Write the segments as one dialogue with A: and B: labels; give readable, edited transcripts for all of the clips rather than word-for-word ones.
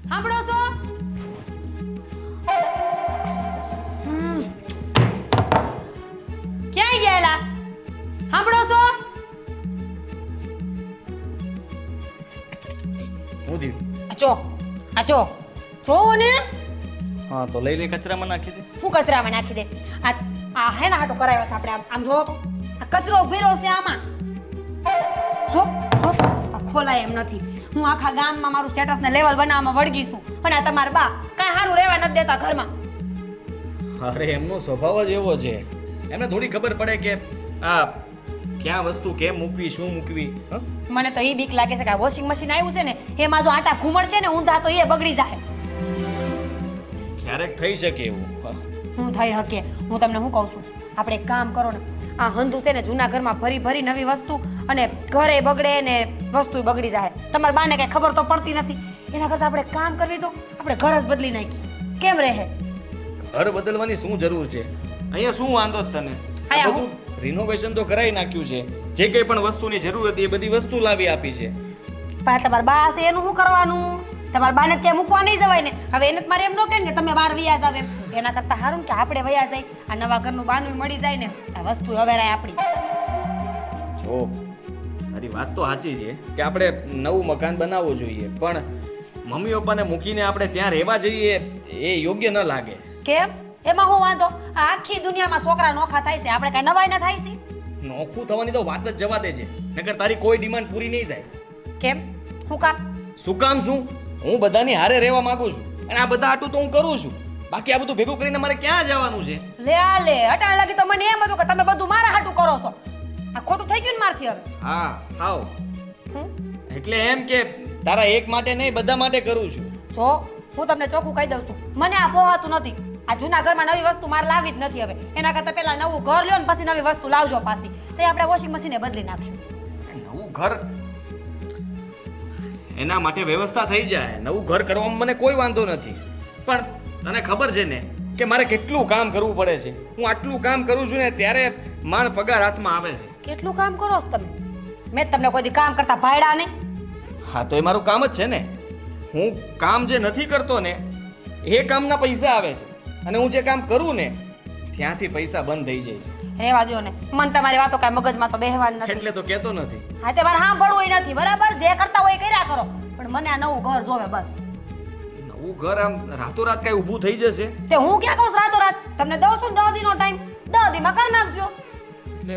A: સાંભળો છો? ક્યાંય ગયેલા? સાંભળો છો?
B: હું થયું?
A: આચો જોવો ને.
B: હા તો લઈ કચરામાં નાખી દે.
A: હું કચરામાં નાખી દે. આ હે ને હાટો કરાવ્યો છે આપણે. આમ જોવો તો આ કચરો ભર્યો છે આમાં. જો આ ખોલાય એમ નથી. હું આખા ગામમાં મારું સ્ટેટસ ને લેવલ બનાવવામાં વળગી છું, પણ આ તમારા બા કાંઈ સારું રહેવા નથી દેતા ઘરમાં.
B: અરે એમનો સ્વભાવ જ એવો છે. એમને થોડી ખબર પડે કે આ ક્યાં વસ્તુ કેમ મૂકવી, શું મૂકવી.
A: મને તો એ બીક લાગે છે કે આ વોશિંગ મશીન આવ્યું છે ને એમાં જો આટા ઘૂમડ છે ને ઊંધા તો એ બગડી જાય.
B: ક્યારેક થઈ શકે એવું.
A: હું થઈ હકે. હું તમને શું કહું છું, આપણે એક કામ કરો ને, આ હંધુ છે ને જૂના ઘરમાં ભરી ભરી નવી વસ્તુ અને ઘરે બગડે ને વસ્તુ બગડી જાય. તમારા બાને કઈ ખબર તો પડતી નથી. એના કરતા આપણે કામ કરવી તો આપણે ઘર જ બદલી નાખી કેમ રહે?
B: ઘર બદલવાની શું જરૂર છે? અહીંયા શું વાંધો જ તને?
A: અહીંયા
B: બધું રિનોવેશન તો કરાવી નાખ્યું છે. જે કંઈ પણ વસ્તુની જરૂર હતી એ બધી વસ્તુ લાવી આપી છે.
A: પણ તમારા બા હશે એનું શું કરવાનું? તમારા બાને ત્યાં મૂકવા નહીં જવાય ને. હવે એને મારે એમ ન કહે ને કે તમે બહાર વયા જાવ એમ. એના કરતા સારું ને કે આપણે વયા જાય. આ નવા ઘરનું બાનું મળી જાય ને આ વસ્તુ હવે રાય આપણી.
B: જો તારી વાત તો સાચી છે કે આપણે નવું મકાન બનાવવું જોઈએ, પણ મમ્મી પપ્પાને મૂકીને આપણે ત્યાં રહેવા જઈએ એ યોગ્ય ન લાગે.
A: કેમ? એમાં હું વાંધો? આ આખી દુનિયામાં છોકરા નોખા થાય છે, આપણે કઈ નવાઈ ના થાય છે?
B: નોખું થવાની તો વાત જ જવા દે છે, નકર તારી કોઈ ડિમાન્ડ પૂરી નહીં થાય.
A: કેમ? હું કામ?
B: શું કામ? શું હું બધાની હારે રહેવા માંગુ છું અને આ બધા આટું તો હું કરું છું. બાકી આ બધું ભેગું કરીને મારે ક્યાં જવાનું છે?
A: લે આ લે અટાણ લાગી તો મને એમ હતું કે તમે બધું મારા હાટું કરો છો. આ ખોટું થઈ ગયું ને મારથી હવે.
B: હા હાવ
A: હમ?
B: એટલે એમ કે તારા એક માટે નહીં બધા માટે કરું છું.
A: જો હું તમને ચોખ્ખું કહી દઉં છું, મને આ પોહાતું નથી. આ જૂના ઘરમાં નવી વસ્તુ મારે લાવી જ નથી હવે. એના કરતા પહેલા નવું ઘર લ્યો ને પછી નવી વસ્તુ લાવજો પાછી. તો આપણે વોશિંગ મશીને બદલી નાખશું.
B: નવું ઘર એના માટે વ્યવસ્થા થઈ જાય. નવું ઘર કરવામાં મને કોઈ વાંધો નથી, પણ તને ખબર છે ને કે મારે કેટલું કામ કરવું પડે છે. હું આટલું કામ કરું છું ને ત્યારે માણ પગાર હાથમાં આવે છે.
A: કેટલું કામ કરો છો તમે? મેં તમને કોઈ દી કામ કરતા ભાડ્યા ને?
B: હા તો એ મારું કામ જ છે ને. હું કામ જે નથી કરતો ને એ કામના પૈસા આવે છે, અને હું જે કામ કરું ને ત્યાંથી પૈસા બંધ થઈ જાય છે.
A: રહેવા દો ને, મને તમારી વાતો કાંઈ મગજમાં તો બેહવાની નથી.
B: એટલે તો કહેતો નથી.
A: હા તે મારે સાંભળવું નથી, બરાબર? જે કરતા હોય એ કર્યા કરો, પણ મને આ નવું ઘર જોવે બસ.
B: નવું ઘર આમ રાતોરાત કઈ ઊભું થઈ જશે?
A: તે હું ક્યાં કહું છું રાતોરાત? તમને દઉં છું ને 10 દીનો ટાઈમ, 10 દીમાં કરી નાખજો.
B: એટલે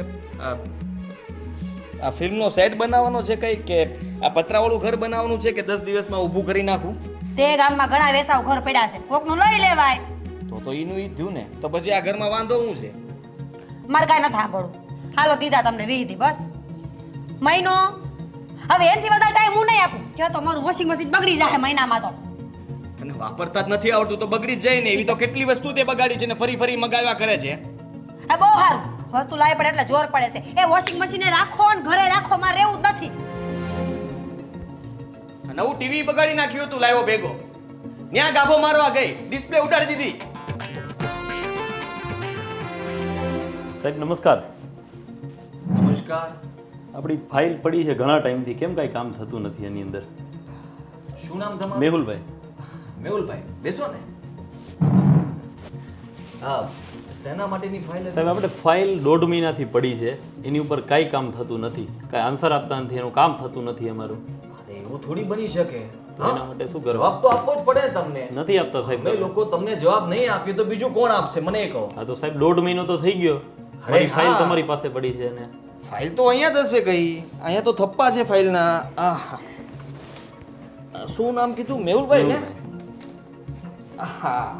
B: આ ફિલ્મનો સેટ બનાવવાનો છે કઈ, કે આ પતરાવાળું ઘર બનાવવાનું છે, કે 10 દિવસમાં ઊભું કરી નાખું?
A: તે ગામમાં ઘણા વેસાવ ઘર પડ્યા છે, કોકનું લઈ લેવાય.
B: તો એનું ઈ થયું ને, તો પછી આ ઘરમાં વાંધો શું છે?
A: મારે કાંઈ નથી સાંભળવું. હાલો દીધા તમને વીધી બસ મહિનો. હવે એનાથી વધારે ટાઈમ હું નહીં આપું. ત્યાં તો મારું વોશિંગ મશીન બગડી જાય મહિનામાં તો.
B: અને વાપરતા જ નથી આવડતું તો બગડી જ જાય ને. એવી તો કેટલી વસ્તુ તે બગાડી છે ને ફરી ફરી મગાવ્યા કરે છે.
A: આ બહુ સારું, વસ્તુ લાવી પડે એટલે જોર પડે છે. એ વોશિંગ મશીને રાખો ને ઘરે રાખો, મારે રહેવું જ નથી.
B: નવું ટીવી બગાડી નાખ્યું હતું લાવ્યો ભેગો, ત્યાં ગાભો મારવા ગઈ, ડિસ્પ્લે ઉડાડી દીધી.
C: સાહેબ નમસ્કાર.
B: નમસ્કાર.
C: આપણી ફાઇલ પડી છે ઘણા ટાઈમથી, કેમ કાંઈ કામ થતું નથી એની અંદર?
B: શું નામ તમારું?
C: મેહુલભાઈ.
B: મેહુલભાઈ, બેસો ને. હા, શેના માટેની ફાઇલ?
C: સાહેબ આપણે ફાઇલ 1.5 મહિનાથી પડી છે, એની ઉપર કાંઈ કામ થતું નથી, કાંઈ આન્સર આપતા નથી, એનું કામ થતું નથી અમારું.
B: અરે એવું થોડી બની શકે.
C: એના માટે શું કરવું?
B: જવાબ તો આપવો જ પડે તમને.
C: નથી આપતા સાહેબ.
B: અમે લોકો તમને જવાબ નહીં આપ્યો તો બીજું કોણ આપશે મને એ કહો.
C: હા તો સાહેબ 1.5 મહિનો તો થઈ ગયો, મારી ફાઇલ તમારી પાસે પડી છે ને.
B: ફાઇલ તો અહીંયા જ હશે કઈ. અહીંયા તો થપ્પા છે ફાઇલના. આહ, શું નામ કીધું? મેહુલભાઈ ને? હા,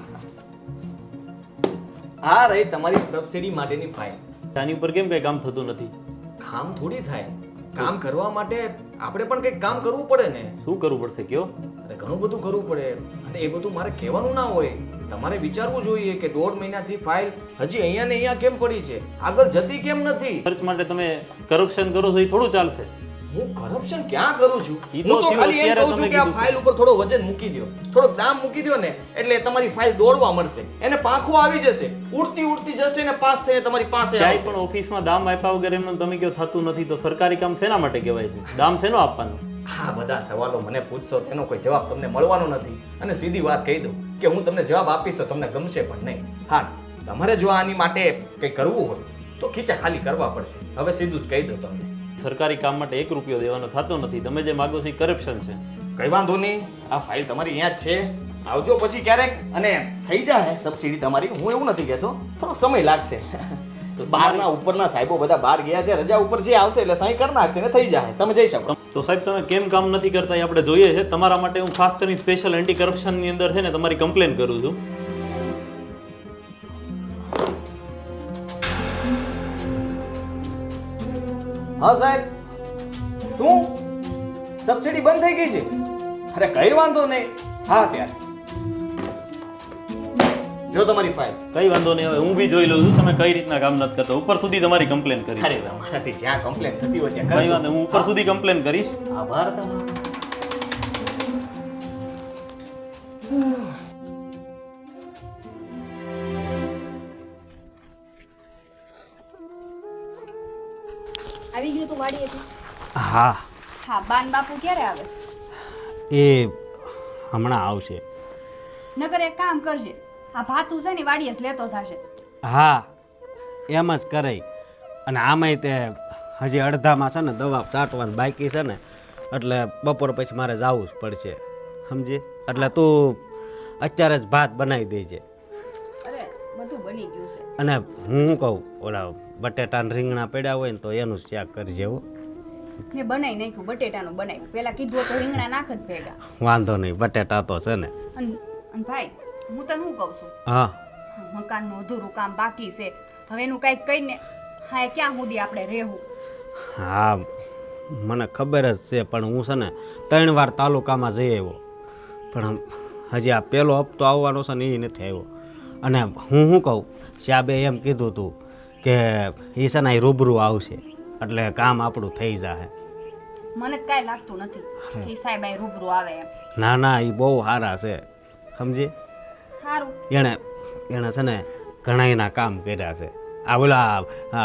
B: આ રહી તમારી સબસિડી માટેની ફાઇલ.
C: આની ઉપર કેમ કાંઈ કામ થતું નથી?
B: કામ થોડી થાય. કામ કરવા માટે આપણે પણ કંઈક કામ કરવું પડે ને.
C: શું કરવું પડશે કયો?
B: અરે ઘણું બધું કરવું પડે, અને એ બધું મારે કહેવાનું ના હોય. તમારે વિચારવું જોઈએ કે 1.5 મહિનાથી ફાઇલ હજી અહીંયા ને અહીંયા કેમ પડી છે, આગળ જતી કેમ નથી.
C: સર્ચ માટે તમે કરપ્શન કરો છો એ થોડું ચાલશે.
B: હું કરપ્શન ક્યાં કરું છું?
C: ઈ
B: હું
C: તો
B: તો ખાલી એમ
C: અત્યારે
B: કહું છું
C: તમે
B: કે આ
C: કીધું.
B: ફાઇલ ઉપર થોડો વજન મૂકી દો, થોડોક દામ મૂકી દો ને, એટલે તમારી ફાઇલ દોડવા મળશે, એને પાંખો આવી જશે, ઉડતી ઉડતી જશે ને પાસ થઈને તમારી પાસે
C: ક્યાંય
B: આવશે.
C: પણ ઓફિસમાં દામ આપ્યા વગર એમનું તમે કહો થતું નથી તો સરકારી કામ શેના માટે કહેવાય છે? દામ શેનો આપવાનો?
B: આ બધા સવાલો મને પૂછશો તેનો કોઈ જવાબ તમને મળવાનો નથી. અને સીધી વાત કહી દઉં કે હું તમને જવાબ આપીશ તો તમને ગમશે પણ નહીં. હા, તમારે જો આની માટે કંઈ કરવું હોય તો ખીચા ખાલી કરવા પડશે. હવે સીધું જ કહી દઉં તમને.
C: સરકારી કામ માટે 1 રૂપિયો દેવાનો થતો નથી. તમે જે માગો છો એ કરપ્શન છે.
B: કઈ વાંધો નહીં, આ ફાઇલ તમારી અહીંયા જ છે. આવજો પછી ક્યારેક અને થઈ જાય સબસિડી તમારી. હું એવું નથી કહેતો, થોડો સમય લાગશે. બહારના ઉપરના સાહેબો બધા બહાર ગયા છે, રજા ઉપર જે આવશે એટલે સહી કરી નાખશે ને થઈ જાય. તમે જઈ શકો.
C: તો સાહેબ તમે કેમ કામ નથી કરતા એ આપણે જોઈએ છે. તમારા માટે હું ખાસ કરીને સ્પેશિયલ એન્ટી કરપ્શનની અંદર છે ને તમારી કમ્પ્લેન કરું છું.
B: હા સાહેબ, શું સબસિડી બંધ થઈ ગઈ છે? અરે કઈ વાંધો નહીં. હા ત્યારે જો તમારી ફાઇલ.
C: કઈ વાંધો નહીં, હવે હું બી જોઈ લઉં છું તમે કઈ રીતના કામ નથી કરતા. ઉપર સુધી તમારી કમ્પ્લેન કરી.
B: અરે તમારાથી જ્યાં કમ્પ્લેન થતી હોય ત્યાં
C: કઈ
B: કરજો.
C: વાંધો, હું ઉપર સુધી કમ્પ્લેન કરીશ.
B: આભાર તમારો.
D: આવી ગયું તું વાડીએથી?
E: હા
D: હા, બાન બાપુ ક્યારે આવે છે?
E: એ હમણાં આવશે.
D: નકર એક કામ કરજે, આ ભાતું છે ને વાડીએ જ લેતો થશે.
E: હા એમ જ કરાય. અને આમાંય તે હજી અડધામાં છે ને દવા ચાટવાની બાકી છે ને, એટલે બપોર પછી મારે જવું જ પડશે, સમજી? એટલે તું અત્યારે જ ભાત બનાવી દેજે.
D: અરે બધું બની ગયું છે.
E: અને હું શું કહું, ઓલા બટેટાના રીંગણા પડ્યા હોય ને તો એનું શાક કરજે હો.
D: મેં બનાવી નાખ્યું, બટેટાનું બનાવ્યું. પેલા કીધું તો રીંગણા નાખ જ ભેગા.
E: વાંધો નહીં, બટેટા તો છે ને.
D: અને ભાઈ, હું તને શું કહું છું,
E: હા
D: મકાનનું અધૂરું કામ બાકી છે. હવે એનું કંઈક કહીને હા એ ક્યાં સુધી આપણે રહેવું?
E: હા મને ખબર જ છે, પણ હું છે ને 3 વાર તાલુકામાં જઈ આવ્યો, પણ હજી આ પહેલો હપ્તો આવવાનો છે ને એ નથી આવ્યો. અને હું શું કહું, સાહેબે એમ કીધું હતું કે એ છે ને અહીં રૂબરૂ આવશે એટલે કામ આપણું થઈ જાય.
D: મને જ કાંઈ લાગતું નથી કે ઈ સાહેબ અહીં રૂબરૂ આવે એમ.
E: ના ના, એ બહુ સારા છે, સમજી?
D: સારું.
E: એણે છે ને ઘણાયના કામ કર્યા છે. આ ઓલા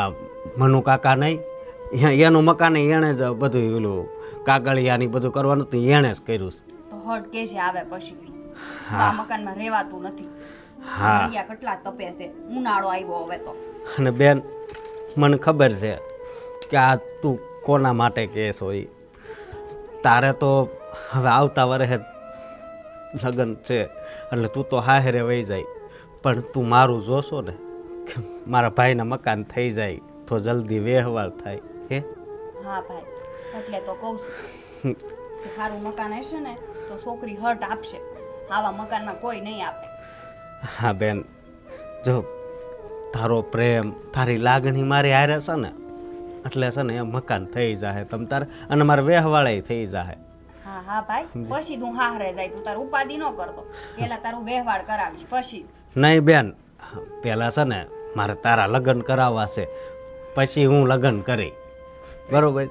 E: મનુ કાકા નહીં, એનું મકાન એણે જ બધું ઓલું કાગળિયાની બધું કરવાનું હતું, એણે જ કર્યું છે.
D: તો હટ કે છે આવે પછી.
E: હા.
D: આ મકાનમાં રહેવાતું નથી.
E: હા.
D: હરિયા કેટલા તપે છે, ઉનાળો આવ્યો હવે તો.
E: અને બેન મને ખબર છે કે આ તું કોના માટે કહેશ હોય. તારે તો હવે આવતા વર્ષે લગ્ન છે એટલે તું તો હાહેરે વહી જાય, પણ તું મારું જોશો ને કે મારા ભાઈના મકાન થઈ જાય તો જલ્દી વ્યવહાર થાય. હે
D: હા ભાઈ, એટલે તો કહું છું કે સારું મકાન હશે ને તો છોકરી હટ આપશે. આવા મકાનમાં કોઈ નહીં આપે.
E: હા બેન, જો તારો પ્રેમ તારી લાગણી મારી હારે છે ને એટલે છે ને એ મકાન થઈ જાય તમ તારે, અને મારે વ્યવહાળે થઈ જાય.
D: હા હા ભાઈ, પછી તું હારે જાય. તું તારું ઉપાધિ ન કરતો, પેલા તારું વ્યવહાર કરાવીશ પછી.
E: નહીં બેન, પહેલાં છે ને મારે તારા લગ્ન કરાવવા છે, પછી હું લગ્ન કરી, બરોબર?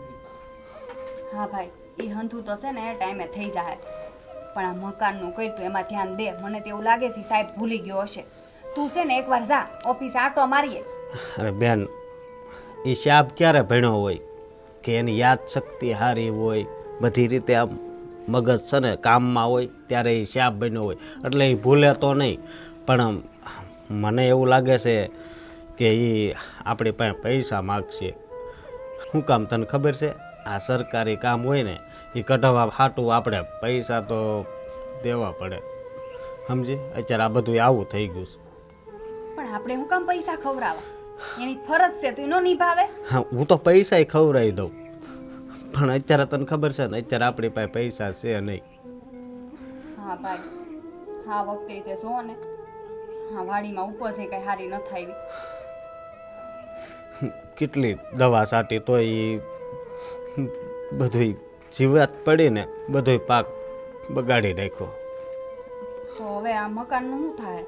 D: હા ભાઈ, એ હંધું તો છે ને એ ટાઈમે થઈ જાય, પણ આ મકાનનું કર્યું એમાં ધ્યાન દે. મને તો એવું લાગે છે સાહેબ ભૂલી ગયો હશે. તું છે ને એકવાર જા ઓફિસે આટો મારીએ.
E: અરે બેન, એ શાબ ક્યારે ભણ્યો હોય કે એની યાદ શક્તિ સારી હોય, બધી રીતે આમ મગજ છે ને કામમાં હોય ત્યારે એ શાબ બન્યો હોય એટલે એ ભૂલે તો નહીં. પણ મને એવું લાગે છે કે એ આપણી પાસે પૈસા માગશે. શું કામ તને ખબર છે? આ સરકારી કામ હોય ને એ કઢાવવા હાટું આપણે પૈસા તો દેવા પડે, સમજી? અત્યારે આ બધું આવું થઈ ગયું છે.
D: પણ આપણે હું કામ પૈસા ખવડાવવા? એની ફરજ છે, તું ન નિભાવે?
E: હા, હું તો પૈસા ખવડાવી દઉં, પણ અત્યારે તને ખબર છે ને અત્યારે આપણી પાસે પૈસા છે નહીં.
D: હા ભાઈ, હા વખતે તે જો ને હા વાડીમાં ઉપજ એ કઈ સારી ન થાય.
E: કેટલી દવા છાંટી તોય એ બધું જીવાત પડીને બધો પાક બગાડી નાખ્યો.
D: તો હવે આ મકાનનું શું થાય?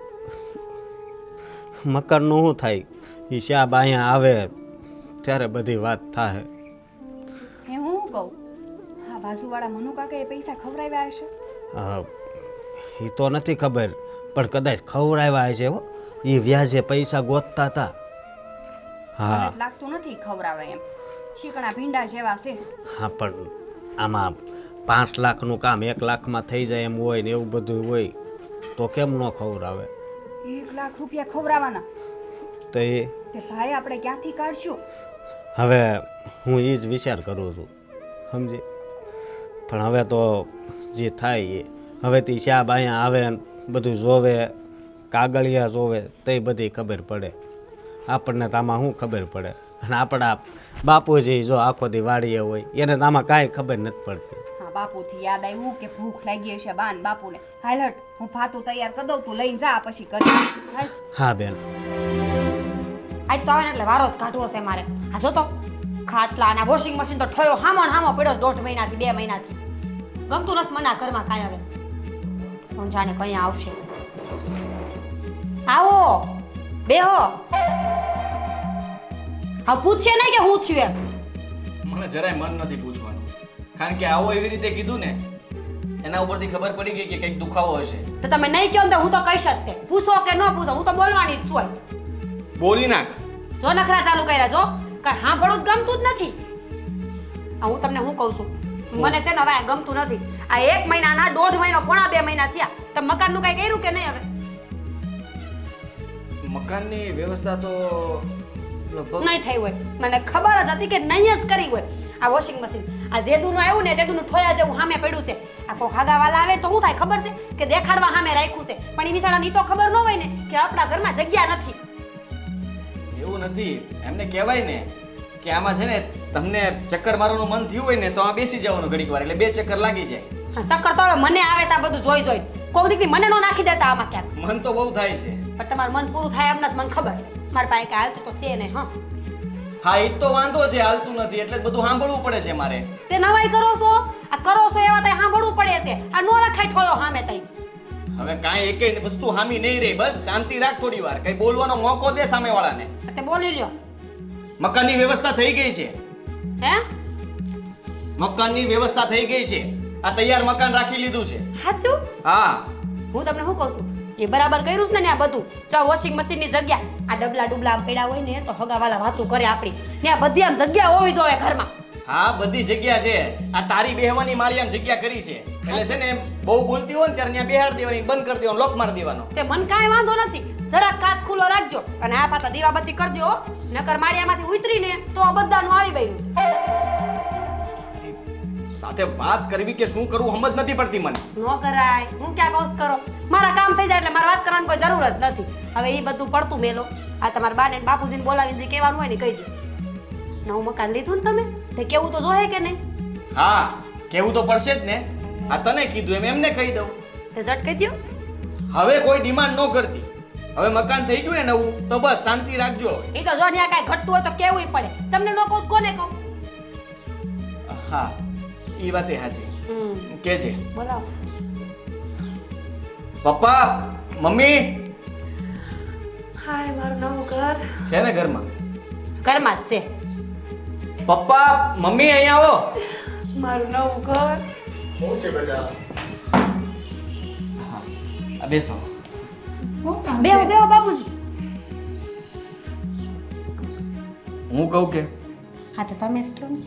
E: મકાનનું શું થાય એ શાબ અહીંયા આવે ત્યારે બધી વાત થાય.
D: એ હું શું કહું, હા બાજુવાળા મનુ કાકા એ પૈસા ખવડાવ્યા હશે?
E: એ તો નથી ખબર, પણ કદાચ ખવડાવ્યા હશે હો. એ વ્યાજે પૈસા ગોતતા હતા. હા
D: મને લાગતું નથી ખવડાવે એમ. શીકણા ભીંડા જેવા છે.
E: હા, પણ આમાં 5 લાખનું કામ 1 લાખમાં થઈ જાય એમ હોય ને એવું બધું હોય તો કેમ ન ખવડાવે?
D: 1 લાખ રૂપિયા ખવડાવવાના
E: તો એ
D: તે ભાઈ આપણે ક્યાંથી કાઢશું?
E: હવે હું એ જ વિચાર કરું છું, સમજી. પણ હવે તો જે થાય એ હવેથી સાહેબ અહીંયા આવે ને બધું જોવે, કાગળિયા જોવે તે બધી ખબર પડે. આપણને તો આમાં શું ખબર પડે? અને આપણા બાપુજી જો આખો દી વાડીએ હોય એને તો આમાં કાંઈ ખબર નથી પડતી.
D: હા, બાપુથી યાદ આવ્યું કે ભૂખ લાગી હશે બાન બાપુને. હાલ હટ, હું ફાતું તૈયાર કરી દઉં, તું લઈને જા પછી કરી. હાલ.
E: હા બેન.
A: આજ તો આવે ને એટલે વારો જ કાઢવો છે મારે. આ જો તો ખાટલા અને વોશિંગ મશીન તો ઠયો હામો ને હામો પડ્યો 1.5 મહિનાથી 2 મહિનાથી. ગમતું નથી મને આ ઘરમાં કાંઈ હવે. કોણ જાણે કઈ આવશે. આવો બેહો. હા, પૂછશે નહીં કે હું થયું એમ.
B: મને જરાય મન નથી પૂછવાનું, કારણ કે આવો એવી રીતે કીધું ને એના ઉપરથી ખબર પડી ગઈ કે કંઈક દુખાવો હશે.
A: તો તમે નહીં કહો ને તો હું તો કહીશ જ તે. પૂછો કે ન પૂછો હું તો બોલવાની જ છું આજ.
B: બોલી નાખ.
A: જો નખરા ચાલુ કર્યા જો કઈ સાંભળવું જ ગમતું જ નથી. આ હું તમને શું કહું છું, મને છે ને હવે આ ગમતું નથી. આ 1 મહિનાના 1.5 મહિનો પોણા 2 મહિના થયા. તમે મકાનનું કઈ કર્યું કે નહીં? હવે
B: મકાનની વ્યવસ્થા તો લગભગ
A: નહીં થઈ હોય. મને ખબર જ હતી કે નહીં જ કરી હોય. આ વોશિંગ મશીન આ જેદુનું આવ્યું ને તેદુનું ઠોયા જેવું સામે પડ્યું છે. આ કોઈ ખાગાવાલા આવે તો શું થાય ખબર છે કે દેખાડવા સામે રાખ્યું છે, પણ એ બિચારાને ઈ તો ખબર ન હોય ને કે આપણા ઘરમાં જગ્યા નથી.
B: એવું નથી, એમને કહેવાય ને કે આમાં છે ને તમને ચક્કર મારવાનું મન થયું હોય ને તો આ બેસી જવાનું ઘડીક વાર એટલે 2 ચક્કર લાગી જાય.
A: આ ચક્કર તો હવે મને આવે છે આ બધું જોઈ જોઈ. કોક દીકરી મને નો નાખી દેતા આમાં ક્યાંક.
B: મન તો બહુ થાય છે.
A: પણ તમારું મન પૂરું થાય એમ નથી, મને ખબર છે. મારા પાસે કાંઈ હાલતું તો છે ને. હા,
B: હા, એ તો વાંધો છે, હાલતું નથી એટલે જ બધું સાંભળવું પડે છે મારે.
A: તે નવાઈ કરો છો. આ કરો છો એવા તઈ સાંભળવું પડે છે. આ નો રખાય ઠોયો સામે તઈ.
B: હવે કાંઈ એકેય વસ્તુ હામી નહીં રહે, બસ શાંતિ રાખ થોડી વાર, કઈ બોલવાનો મોકો દે સામેવાળાને.
A: તે બોલી લ્યો.
B: મકાનની વ્યવસ્થા થઈ ગઈ છે.
A: હે?
B: મકાનની વ્યવસ્થા થઈ ગઈ છે. આ તૈયાર મકાન રાખી લીધું છે.
A: સાચું?
B: હા.
A: હું તમને શું કહું છું, એ બરાબર કર્યું છે ને આ બધું. જો વોશિંગ મશીન ની જગ્યા આ ડબલા ડુબલા આમ પડ્યા હોય ને તો હગાવાલા વાતું કરે આપણી ને. આ બધી આમ જગ્યા હોવી જોઈએ ઘરમાં.
B: હા, બધી જગ્યા છે. આ તારી બેહવાની મારી આમ જગ્યા કરી છે એટલે છે ને એમ બહુ બોલતી હોય ને ત્યારે ત્યાં બેહાડ દેવાની, બંધ કરી દેવાનો, લોક મારી દેવાનો.
A: તે મન કાંઈ વાંધો નથી. જરાક કાચ ખુલ્લો રાખજો અને આ પાછા દીવાબત્તી કરજો હો. નકર માળિયામાંથી ઉતરીને તો આ બધાનું આવી ગયું છે.
B: સાથે વાત કરવી કે શું કરવું સમજ નથી પડતી મને.
A: નો કરાય. હું ક્યાં કહું કરો. મારા કામ થઈ જાય એટલે મારે વાત કરવાની કોઈ જરૂર જ નથી. હવે એ બધું પડતું મેલો. આ તમારા બાને ને બાપુજીને બોલાવીને જે કહેવાનું હોય ને કહી દો. નવું મકાન લીધું ને તમે તે કેવું તો જોહે કે નહીં?
B: હા, કેવું તો પડશે જ ને. આ તને કીધું એમ એમને કહી દઉં.
A: તે ઝટ કહી દો.
B: હવે કોઈ ડિમાન્ડ ન કરતી. હવે મકાન થઈ ગયું ને નવું તો બસ શાંતિ રાખજો.
A: એ તો જો ત્યાં કાંઈ ઘટતું હોય તો કેવું પડે. તમને ન કહું કોને કહું?
B: હા, ઈ વાતે સાચી. કે છે
A: બોલાવો.
B: પપ્પા, મમ્મી
A: હાય મારું નવું ઘર.
B: છે ને ઘરમાં?
A: ઘરમાં જ છે.
B: પપ્પા, મમ્મી અહીંયા આવો.
A: મારું નવું ઘર.
F: શું છે બેટા?
B: હા, આ બેસો.
A: બેહો બેહો બાપુજી.
B: હું કહું કે
A: હા તો તમે જ કહો ને.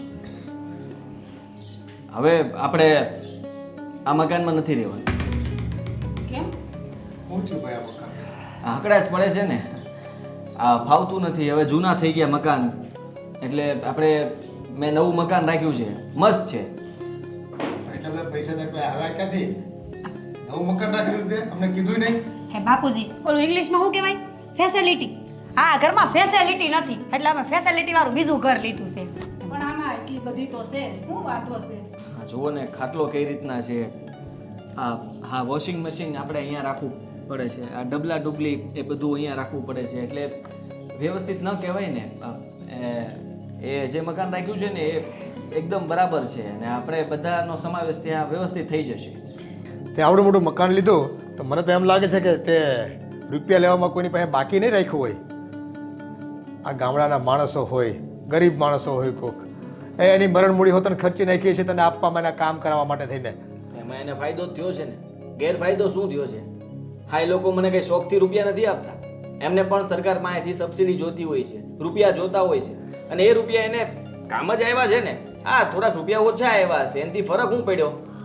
B: હવે આપણે આ મકાનમાં નથી રહેવાનું.
A: કેમ?
F: શું થયું ભાઈ આ મકાન?
B: આંકડા જ પડે છે ને. આ ફાવતું નથી, હવે જૂના થઈ ગયા મકાન એટલે આપણે મેં નવું મકાન રાખ્યું છે, મસ્ત છે.
F: એટલા બધા પૈસા તો કોઈ આવ્યા ક્યાંથી? નવું મકાન રાખી લીધું તે અમને કીધું નહીં.
A: હે બાપુજી, ઓલું ઇંગ્લિશમાં શું કહેવાય? ફેસિલિટી. હા, ઘરમાં ફેસિલિટી નથી એટલે અમે ફેસિલિટી વાળું બીજું ઘર લીધું છે.
G: પણ આમાં એટલી બધી તો છે, શું વાતો છે?
B: હા, જુઓ ને ખાટલો કઈ રીતના છે. હા, વોશિંગ મશીન આપણે અહીંયા રાખવું પડે છે. આ ડબલા ડુબલી એ બધું અહીંયા રાખવું પડે છે એટલે વ્યવસ્થિત ન કહેવાય ને. એ જે મકાન રાખ્યું છે ને એ એકદમ બરાબર છે અને આપણે બધાનો સમાવેશ ત્યાં વ્યવસ્થિત થઈ જશે.
F: તે આવડું મોટું મકાન લીધું તો મને તો એમ લાગે છે કે તે રૂપિયા લેવામાં કોઈની પાસે બાકી નહીં રાખ્યું હોય. આ ગામડાના માણસો હોય, ગરીબ માણસો હોય, કોક એની મરણ મૂડી હોતને ખર્ચી નાખીએ છીએ તને આપવામાં, એના કામ કરાવવા માટે થઈને.
B: એમાં એને ફાયદો જ થયો છે ને. ગેરફાયદો શું થયો છે? હા, એ લોકો મને કઈ શોખથી રૂપિયા નથી આપતા. એમને પણ સરકાર પાસેથી સબસિડી જોતી હોય છે, રૂપિયા જોતા હોય છે અને એ રૂપિયા એને કામ જ આવ્યા છે ને. હા, થોડાક રૂપિયા ઓછા આવ્યા હશે એનાથી ફરક શું પડ્યો?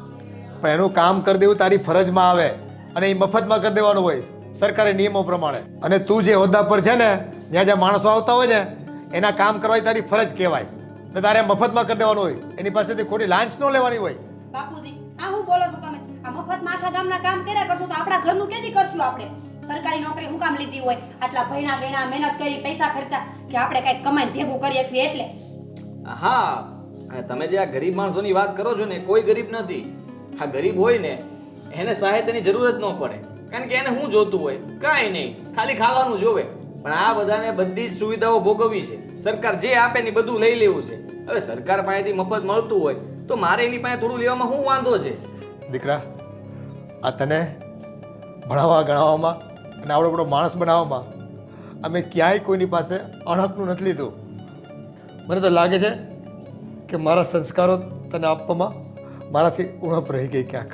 F: પણ એનું કામ કરી દેવું તારી ફરજમાં આવે અને એ મફતમાં કરી દેવાનું હોય સરકારી નિયમો પ્રમાણે. અને તું જે હોદ્દા પર છે ને જ્યાં જ્યાં માણસો આવતા હોય ને એના કામ કરવાની તારી ફરજ કહેવાય અને તારે મફતમાં કરી દેવાનું હોય. એની પાસેથી ખોટી લાંચ ન લેવાની હોય.
A: બાપુજી આ હું બોલો છો તમે? આ મફતમાં આખા ગામના કામ કર્યા કરશું તો આપણા ઘરનું કેદી કરશું આપણે? સરકારી નોકરી હું કામ લીધી હોય? આટલા ભણ્યા ગણ્યા મહેનત કરી પૈસા ખર્ચા કે આપણે કઈક કમાઈને ભેગું કરી શકીએ એટલે?
B: હા, અને તમે જે આ ગરીબ માણસોની વાત કરો છો ને, કોઈ ગરીબ નથી. આ ગરીબ હોય ને એને સહાયતાની જરૂર જ ન પડે, કારણ કે એને શું જોતું હોય? કાંઈ નહીં, ખાલી ખાવાનું જોવે. પણ આ બધાને બધી જ સુવિધાઓ ભોગવવી છે. સરકાર જે આપે ને બધું લઈ લેવું છે. હવે સરકાર પાસેથી મફત મળતું હોય તો મારે એની પાસે થોડું લેવામાં શું વાંધો છે?
F: દીકરા, આ તને ભણાવવા ગણાવવામાં અને આવડો બધો માણસ બનાવવામાં અમે ક્યાંય કોઈની પાસે અણહકનું નથી લીધું. મને તો લાગે છે કે મારા સંસ્કારો તને આપવામાં મારાથી ઉણપ રહી ગઈ ક્યાંક.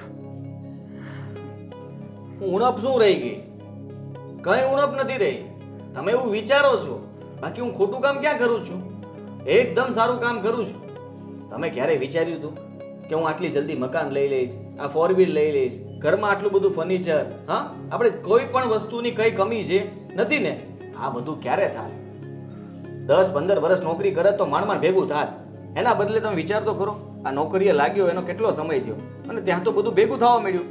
B: ઉણપ શું રહી ગઈ? કઈ ઉણપ નથી રહી. તમે એવું વિચારો છો, બાકી હું ખોટું કામ ક્યાં કરું છું? એકદમ સારું કામ કરું છું. તમે ક્યારે વિચાર્યું હતું કે હું આટલી જલ્દી મકાન લઈ લઈશ, આ 4 વ્હીલ લઈ લઈશ, ઘરમાં આટલું બધું ફર્નિચર? હા, આપણે કોઈ પણ વસ્તુની કઈ કમી છે નથી ને? આ બધું ક્યારે થાય? 10-15 વર્ષ નોકરી કરે તો માંડ ભેગું થાય. એના બદલે તમે વિચાર તો કરો, આ નોકરીએ લાગ્યો એનો કેટલો સમય થયો અને ત્યાં તો બધું ભેગું થવા મળ્યું.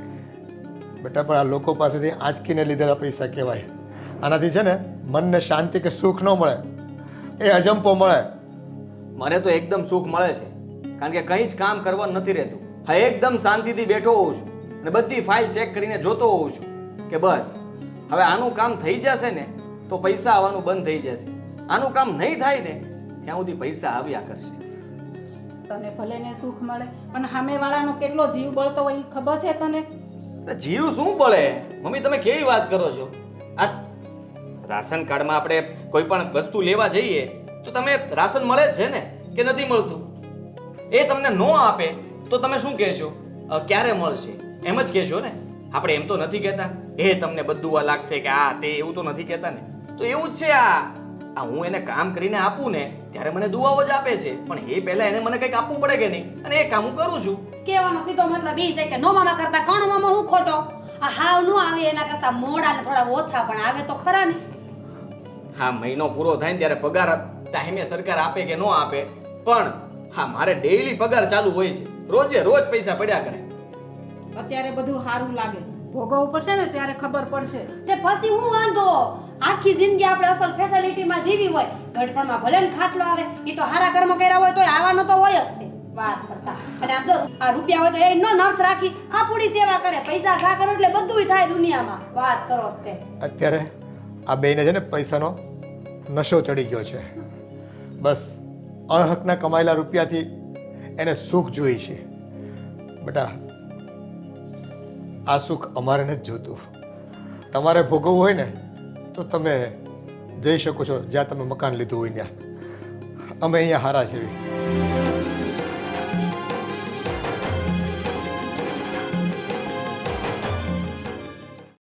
F: બેટા, પણ આ લોકો પાસેથી આંચકીને લીધેલા પૈસા કહેવાય. આનાથી છે ને મનને શાંતિ કે સુખ ન મળે, એ અજંપો મળે.
B: મને તો એકદમ સુખ મળે છે, કારણ કે કંઈ જ કામ કરવાનું નથી રહેતું. હા, એકદમ શાંતિથી બેઠો હોઉં છું અને બધી ફાઇલ ચેક કરીને જોતો હોઉં છું કે બસ હવે આનું કામ થઈ જશે ને તો પૈસા આવવાનું બંધ થઈ જશે. આનું કામ નહીં થાય ને ત્યાં સુધી પૈસા આવ્યા કરશે.
G: તને ભલે ને સુખ મળે પણ સામેવાળાનો કેટલો જીવ બળતો હોય એ ખબર છે તને?
B: એટલે જીવ શું બળે મમ્મી? તમે કેવી વાત કરો છો? આ રાશન કાર્ડમાં આપણે કોઈ પણ વસ્તુ લેવા જઈએ તો તમે રાશન મળે જ છે ને કે નથી મળતું? એ તમને ન આપે તો તમે શું કહેશો? ક્યારે મળશે એમ જ કહેશો ને? આપણે એમ તો નથી કહેતા એ તમને બધું આ લાગશે કે આ તે, એવું તો નથી કહેતા ને? તો એવું જ છે. આ હું એને કામ કરીને આપું ને ત્યારે મને દુઆઓ જ આપે છે, પણ એ પહેલા એને મને કંઈક આપવું પડે કે નહીં? અને એ કામ હું કરું છું.
A: કહેવાનો સીધો મતલબ એ છે કે નો મામા કરતા કણ મામા હું ખોટો? આ હાવ નો આવે એના કરતા મોડા ને થોડા ઓછા પણ આવે તો ખરા ને?
B: હા, મહિનો પૂરો થાય ને ત્યારે પગાર ટાઈમે સરકાર આપે કે ન આપે, પણ હા મારે ડેઈલી પગાર ચાલુ હોય છે. રોજે રોજ પૈસા પડ્યા કરે.
G: અત્યારે બધું સારું લાગે, ભોગવવું પડશે ને ત્યારે ખબર પડશે.
A: તે પછી હું વાંધો? આખી જિંદગી આપણે અસલ ફેસિલિટીમાં જીવી હોય, ગઢપણમાં ભલે ને ખાટલો આવે, એ તો હારા કર્મ કર્યા હોય તો આવવાનો તો હોય જ તે વાત કરતા. અને આમ જો આ રૂપિયા હોય તો એ નો નર્સ રાખી આપણી સેવા કરે, પૈસા ઘા કરો એટલે બધુંય થાય દુનિયામાં. વાત કરો જ તે.
F: અત્યારે આ બેને છે ને પૈસાનો નશો ચડી ગયો છે. બસ અણહકના કમાયેલા રૂપિયાથી એને સુખ જોઈએ છે. બેટા, આ સુખ અમારે નથી જોતું. તમારે ભોગવવું હોય ને તો તમે જઈ શકો છો જ્યાં તમે મકાન લીધું હોય ત્યાં. અમે અહીંયા હારા છીએ.